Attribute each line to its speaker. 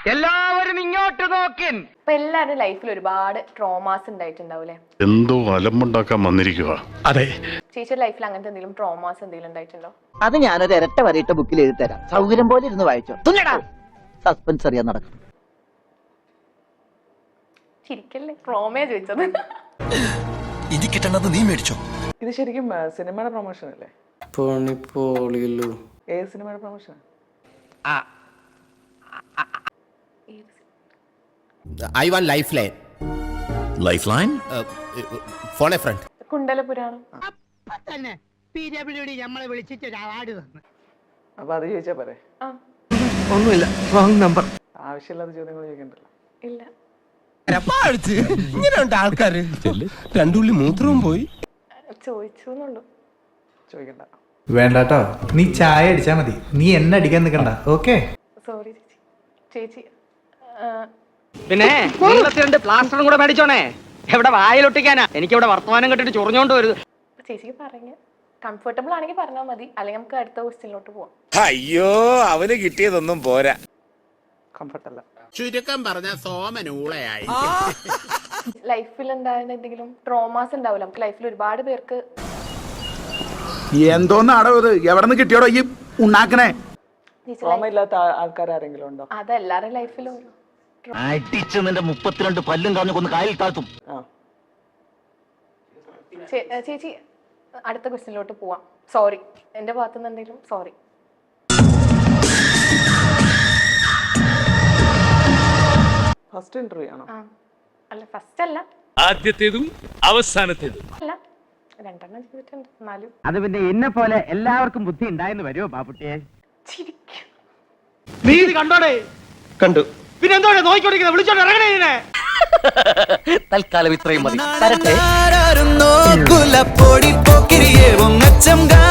Speaker 1: എല്ലാവരും ഇങ്ങോട്ട് നോക്കിൻ.
Speaker 2: ഇപ്പൊ എല്ലാവരും ലൈഫിൽ ഒരുപാട് ട്രോമാസ് ഉണ്ടായിട്ടുണ്ടാവൂലേ?
Speaker 3: എന്തോ അലമ്പുണ്ടാക്കാൻ വന്നിരിക്കുക.
Speaker 4: അതെ.
Speaker 2: ചേച്ചിയുടെ ലൈഫിൽ അങ്ങനത്തെ എന്തെങ്കിലും ട്രോമാസ് എന്തെങ്കിലും ഉണ്ടായിട്ടുണ്ടോ?
Speaker 5: അത് ഞാനൊരു ഇരട്ട വരയിട്ട ബുക്കിൽ എഴുതി തരാം. സൗകര്യം പോലെ ഇരുന്ന് വായിച്ചോ. സസ്പെൻസ് അറിയാൻ നടക്കും.
Speaker 2: ചിരിക്കല്ലേ, ട്രോമയാ ചോദിച്ചത്.
Speaker 6: ഇത് കിട്ടണത് നീ മേടിച്ചോ?
Speaker 7: ഇത് ശരിക്കും സിനിമയുടെ പ്രൊമോഷൻ അല്ലേ? ഏത് സിനിമയുടെ promotion?
Speaker 6: I want lifeline. Lifeline? Phone a friend.
Speaker 2: കുണ്ടലപുരാണം.
Speaker 7: അപ്പൊ അത് ചോദിച്ചാ പോരെ?
Speaker 1: ഒന്നുമില്ല, റോങ് നമ്പർ.
Speaker 7: ആവശ്യമില്ലാത്ത ചോദ്യങ്ങൾ ചോദിക്കണ്ടല്ലോ.
Speaker 2: ഇല്ല.
Speaker 6: ഇങ്ങനെയുണ്ട് ആൾക്കാര്. രണ്ടുള്ളി മൂത്രവും പോയി.
Speaker 2: ചോദിച്ചുന്നുള്ളൂ.
Speaker 7: ചോദിക്കണ്ട.
Speaker 4: വേണ്ടാട്ടോ, നീ ചായ അടിച്ചാ മതി, നീ എന്നെ അടിക്കാൻ നിൽക്കണ്ട. ഓക്കെ,
Speaker 2: സോറി ചേച്ചി. ചേച്ചി
Speaker 1: പിന്നെ നീളത്തിരണ്ട് പ്ലാസ്റ്ററും കൂടെ മേടിച്ചോണേ. എവിടെ വായിലൊട്ടിക്കാനാ? എനിക്കിവിടെ വർത്തമാനം കെട്ടിട്ട് ചൊറിഞ്ഞോണ്ട് വരുത്.
Speaker 2: ചേച്ചിക്ക് പറഞ്ഞ കംഫർട്ടബിൾ ആണെങ്കിൽ പറഞ്ഞാൽ മതി, അല്ലെങ്കിൽ നമുക്ക് അടുത്ത ക്വസ്റ്റ്യനിലോട്ട് പോവാം.
Speaker 8: അയ്യോ, അവന് കിട്ടിയതൊന്നും പോരാ.
Speaker 7: കംഫർട്ടല്ല.
Speaker 6: ചുരുക്കം പറഞ്ഞ സോമനൂളയായി.
Speaker 2: ലൈഫിൽ ഉണ്ടായിരുന്ന എന്തെങ്കിലും ട്രോമാസ് ഉണ്ടാവില്ല നമുക്ക് ലൈഫിൽ ഒരുപാട് പേർക്ക്.
Speaker 8: എന്തോന്നാടോ ഇത്? എവിടെ നിന്ന് കിട്ടിയോടോ ഈ ഉണ്ടാക്കണേ?
Speaker 7: ട്രോമ ഇല്ലാത്ത ആൾക്കാർ ആരെങ്കിലും ഉണ്ടോ?
Speaker 2: അതെല്ലാരും ലൈഫിലും.
Speaker 5: അടിച്ച് നിന്റെ 32 പല്ലും കളഞ്ഞു കൊന്ന് കായൽ താഴ്ത്തും.
Speaker 2: ചേച്ചി അടുത്ത ക്വസ്റ്റ്യനിലോട്ട് പോവാം. സോറി, എന്റെ ഭാഗത്തുനിന്ന് എന്തെങ്കിലും സോറി.
Speaker 7: ഫസ്റ്റ് ഇന്റർവ്യൂ ആണോ?
Speaker 2: അല്ല, ഫസ്റ്റ് അല്ല.
Speaker 4: ആദ്യത്തേതും അവസാനത്തേതും
Speaker 2: അല്ല, രണ്ടെണ്ണം ചെയ്തിട്ടുണ്ട്. എന്നാലും
Speaker 1: അത് പിന്നെ എന്നെ പോലെ എല്ലാവർക്കും ബുദ്ധി ഉണ്ടായെന്ന് വരുമോ ബാബുട്ടിയെ?
Speaker 2: ചിരിക്കും.
Speaker 1: നീ ഇത് കണ്ടോടെ?
Speaker 4: കണ്ടു.
Speaker 1: പിന്നെ എന്തോടെ നോക്കിക്കൊണ്ടിരിക്കുന്നത്? വിളിച്ചോണ്ട് ഇറങ്ങണേ ഇതിനെ.
Speaker 5: തൽക്കാലം ഇത്രയും മതി.
Speaker 6: പൊടി പോക്കിരിയേ